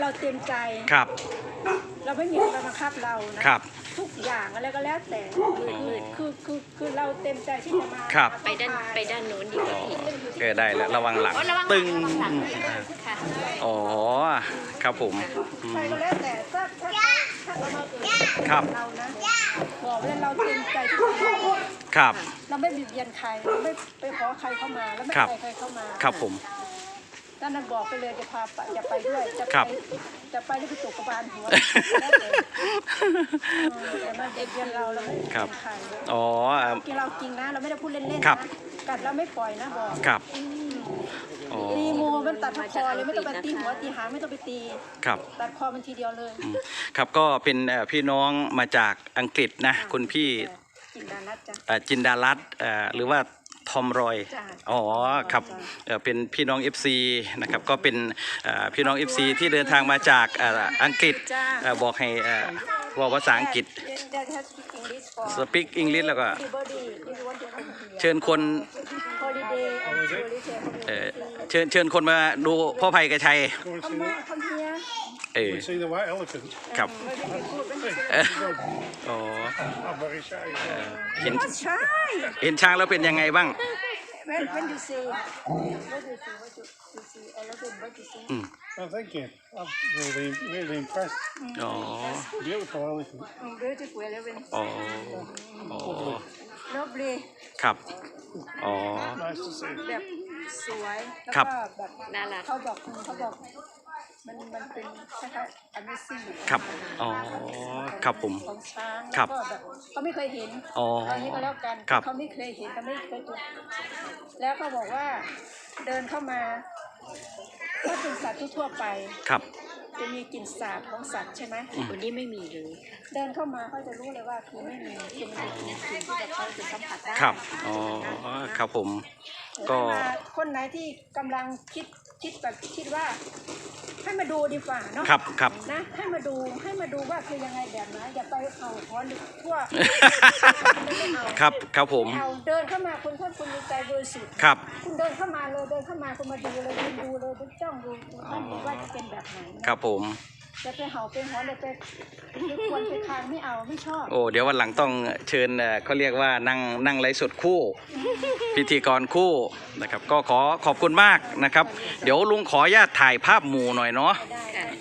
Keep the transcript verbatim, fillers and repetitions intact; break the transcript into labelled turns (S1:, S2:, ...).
S1: เราเต็มใจ
S2: ครับ
S1: เราไม่มีใครบังคับเรานะครับทุกอย่างอะไรก็แล้วแต่คือคือคือเราเต็มใจที่จะมา
S2: ครับ
S3: ไปด้านไปด้านโน้นดีกว่าพี่
S2: เกิดได้แล้วระวังหลังตึงอ๋อครับผม
S1: ใครก็แล้วแต่ถ้าถ้าถ้าเรามาเอ่ย
S2: ครับ
S1: เรานะบอกว่าเราเต็มใจที่จะ
S2: ครับ
S1: เราไม่บิดเบียนใครเราไม่ไปขอใครเข้ามาแล้วไม่ใครใครเข้ามา
S2: ครับผม
S1: ด้านนั้นบอกไปเลยจะพาไปจะไปด้วยจะไปจะไปแล้วไปตกกระบาลหัวแต่มาเด็กเรียนเราเราไม่เป็นใคร
S2: อ๋อ
S1: กินเราจริงนะเราไม่ได้พูดเล่นๆนะกัดเราไม่ปล่อยนะบอก
S2: ครับ
S1: ตีงูมันตัดคอเลยไม่ต้องไปตีหัวตีหางไม่ต้องไปตี
S2: ครับ
S1: ตัดคอมันทีเดียวเลย
S2: ครับก็เป็นพี่น้องมาจากอังกฤษนะคุณพี่
S1: จินดารัตน์จ้ะ
S2: จินดารัตน์หรือว่าทอมรอยอ๋อครับเป็นพี่น้อง เอฟ ซี นะครับก็เป็นพี่น้อง เอฟ ซี ที่เดินทางมาจากอังกฤษบอกให้บอกภาษาอังกฤษ speak English แล้วก็เชิญคนเชิญเชิญคนมาดูพ่อไผ่กระชัยเออครับอ๋อเห็นเห็นช้างแล้วเป็นยังไงบ้าง
S1: When when you say what you say what you you see elephant what you see
S4: Oh thank you I'm really really impressed
S2: อ๋อ
S4: beautiful elephant
S1: beautiful elephant
S2: อ๋ออ๋อ
S1: lovely
S2: ครับอ๋อ
S4: nice to see
S1: แบบสวยแล้วก็แบบ
S3: น่ารัก
S1: เขาบอกเขาบอกมันมันเป็นคล้ายๆ amazing
S2: ครับอ๋อครับผม
S1: ของช้างแล้วก็แบบเขาไม่เคยเห็น
S2: อ๋อ
S1: อันนี้ก็แล้วกันเขาไม่เคยเห็นเขาไม่เคยตัวแล้วก็บอกว่าเดินเข้ามาถ้าเป็นสัตว์ทั่วไป
S2: ครับ
S1: จะมีกลิ่นสาบของสัตว์ใช่ไหม
S3: วันนี้ไม่มีเลย
S1: เดินเข้ามาเขาจะรู้เลยว่าคือไม่มีคือมันเป็นกลิ่นที่แบบเขาจะสัมผัสได้
S2: ครับอ๋อครับผมก็
S1: คนไหนที่กำลังคิดคิดแบบคิดว่าให้มาดูดีกว่าเนาะ
S2: ครับครับ
S1: นะให้มาดูให้มาดูว่าคือยังไงแบบไหนอย่าไปเอาคอนทั่ว
S2: ครับครับผม
S1: เอาเดินเข้ามาคุณท่านคุณมีใจบริสุทธิ์
S2: ครับ
S1: คุณเดินเข้ามาเลยเดินเข้ามาคุณมาดูเลยคุณดูเลยคุณจ้องดูท่านว่าจะเป็นแบบไหน
S2: ครับผม
S1: จะไปเห่าไปหอนเลยไปควรไปคางไม่เอาไม่ชอบ
S2: โอ้เดี๋ยววันหลังต้องเชิญเขาเรียกว่านั่งนั่งไลฟ์สดคู่พิธีกรคู่นะครับก็ขอขอบคุณมากนะครับเดี๋ยวลุงขออนุญาตถ่ายภาพหมู่หน่อยเนาะ